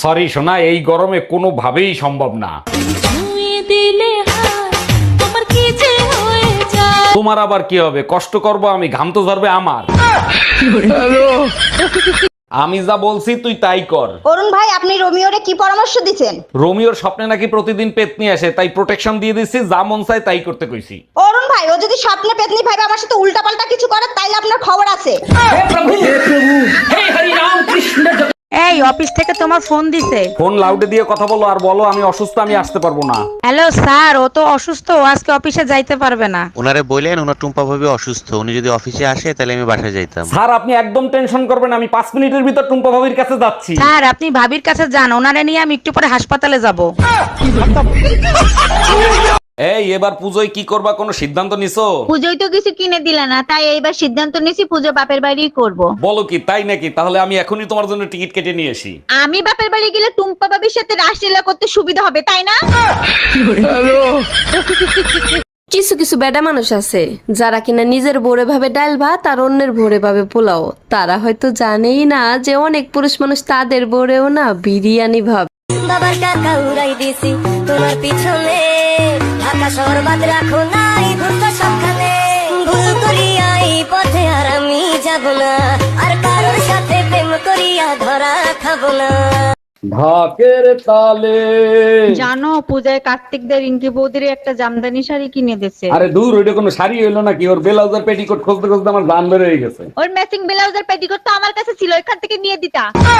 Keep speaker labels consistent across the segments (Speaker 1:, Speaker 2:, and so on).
Speaker 1: Sorry সোনা, এই গরমে কোনোভাবেই সম্ভব না। তোমার আবার কি হবে? কষ্ট করব আমি, ঘাম তো ঝরবে আমার। আমি যা বলছি তুই তাই কর।
Speaker 2: অরুণ ভাই, আপনি রোমিওরে কি পরামর্শ দিচ্ছেন?
Speaker 1: রোমিওর স্বপ্নে নাকি প্রতিদিন পেতনি আসে, তাই প্রোটেকশন দিয়ে দিচ্ছি, যা মন চায় তাই করতে কইছি।
Speaker 2: অরুণ ভাই, ও যদি স্বপ্নে পেতনি ভাইবে আমার সাথে উল্টাপাল্টা কিছু করে তাইলে আপনার খবর আছে।
Speaker 3: এই অফিস থেকে তোমার ফোন দিছে।
Speaker 1: ফোন লাউডে দিয়ে কথা বলো আর বলো আমি অসুস্থ, আমি আসতে পারবো না।
Speaker 3: হ্যালো স্যার, ও তো অসুস্থ, ও আজকে অফিসে যাইতে পারবে না।
Speaker 4: ওনারে বললেন ওনার টুম্পা ভাবি অসুস্থ, উনি যদি অফিসে আসে তাহলে আমি বাসায় যাইতাম।
Speaker 1: স্যার আপনি একদম টেনশন করবেন না, আমি 5 মিনিটের ভিতর টুম্পা ভাবির কাছে যাচ্ছি।
Speaker 3: স্যার আপনি ভাবির কাছে যান, ওনারে নিয়ে আমি একটু পরে হাসপাতালে যাব।
Speaker 1: এই এবার পুজোয় কি করবা, কোনো সিদ্ধান্ত নিছো?
Speaker 5: পুজোয় তো কিছু কিনে দিলে না, তাই এইবার সিদ্ধান্ত নিয়েছি পুজো বাপের বাড়িই করব।
Speaker 1: বলো কি, তাই নাকি? তাহলে আমি এখনই তোমার জন্য টিকিট কেটে নিয়ে আসি।
Speaker 5: আমি বাপের বাড়ি গেলে টুম্পা বাবির সাথে রাসলীলা করতে সুবিধা হবে, তাই না?
Speaker 6: কিছু কিছু বেডা মানুষ আছে যারা কিনা নিজের ভোরে ভাবে ডাল ভাত আর অন্যের ভোরে ভাবে পোলাও। তারা হয়তো জানেই না যে অনেক পুরুষ মানুষ তাদের ভোরেও না বিরিয়ানি ভাবে।
Speaker 7: বাবার টাকা উড়াই দিছি তোমার পিছনে, আকাশ বরবাদ রাখো নাই ঘুরতো সবখানে। ভুল করিয়া এই পথে আর আমি যাব না, আর কারোর সাথে প্রেম করিয়া ধরা খাবো না।
Speaker 1: ঢাকের তালে।
Speaker 5: জানো পূজায় কার্তিকদের রিঙ্কি বৌদির একটা জামদানি শাড়ি কিনে দিছে।
Speaker 1: আরে দূর, ওইটা কোনো শাড়ি হইলো নাকি? ওর ব্লাউজ আর পেটিকোট খুঁজতে খুঁজতে আমার জান বের হয়ে গেছে।
Speaker 5: ওর ম্যাচিং ব্লাউজ আর পেটিকোট তো আমার কাছে ছিল, এখান থেকে নিয়ে দিতা।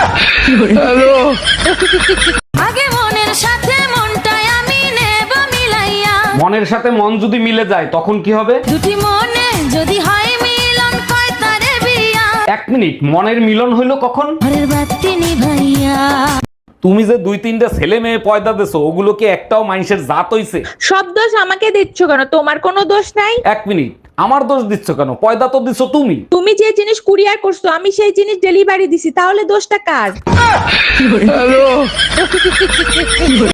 Speaker 7: আগে মনের সাথে মনটাই আমি নেব মিলাইয়া,
Speaker 1: মনের সাথে মন যদি মিলে যায় তখন কি হবে?
Speaker 7: দুটি মনে যদি হয় মিলন কয় তারে বিয়া,
Speaker 1: 1 মিনিট, মনের মিলন হইলো কখন?
Speaker 7: ঘরের বাতি নিভাইয়া।
Speaker 1: তুমি যে 2-3টা ছেলে মেয়ে পয়দা দেছো, ওগুলো কি একটাও মানুষের জাত হইছে?
Speaker 5: সব দোষ আমাকে দিচ্ছ কেন? তোমার কোনো দোষ নাই।
Speaker 1: 1 মিনিট, আমার দোষ দিচ্ছ কেন? পয়দা তো দিছো তুমি।
Speaker 5: তুমি যে জিনিস কুরিয়ার করছো আমি সেই জিনিস ডেলিভারি দিছি, তাহলে দোষটা কার?